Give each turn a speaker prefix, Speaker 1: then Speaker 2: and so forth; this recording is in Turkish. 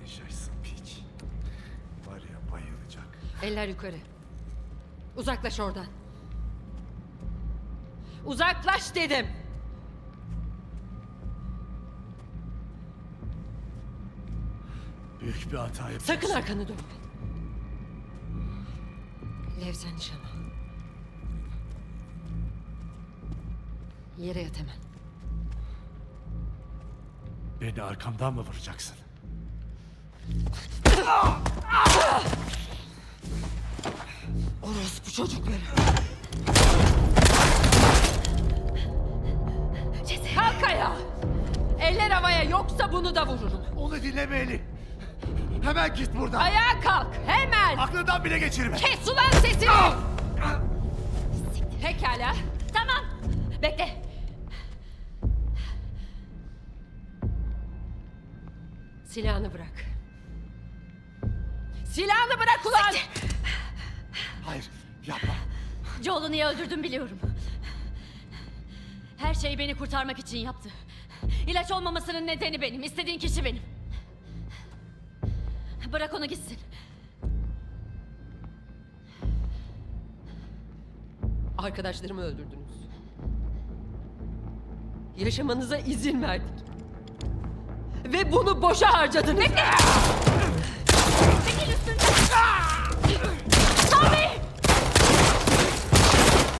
Speaker 1: Bayılacaksın piç. Var ya bayılacak.
Speaker 2: Eller yukarı. Uzaklaş oradan. Uzaklaş dedim.
Speaker 1: Büyük bir hata yapıyorsun.
Speaker 2: Sakın arkanı dönme. Lev, sen nişan al. Yere yat hemen.
Speaker 1: Beni arkamdan mı vuracaksın?
Speaker 2: Orospu çocukları. Kalk ayağa. Eller havaya, yoksa bunu da vururum.
Speaker 1: Onu dinleme Eli. Hemen git buradan.
Speaker 2: Ayağa kalk, hemen.
Speaker 1: Aklından bile geçirme.
Speaker 2: Kes ulan sesini. Pekala.
Speaker 3: Tamam. Bekle.
Speaker 2: Silahını bırak. Silahını bırak ulan.
Speaker 1: Hayır yapma.
Speaker 3: Joel'u niye öldürdüm biliyorum. Her şeyi beni kurtarmak için yaptı. İlaç olmamasının nedeni benim. İstediğin kişi benim. Bırak onu gitsin.
Speaker 2: Arkadaşlarımı öldürdünüz. Yaşamanıza izin verdik. Ve bunu boşa harcadınız.
Speaker 3: Çekil üstünden. Tommy!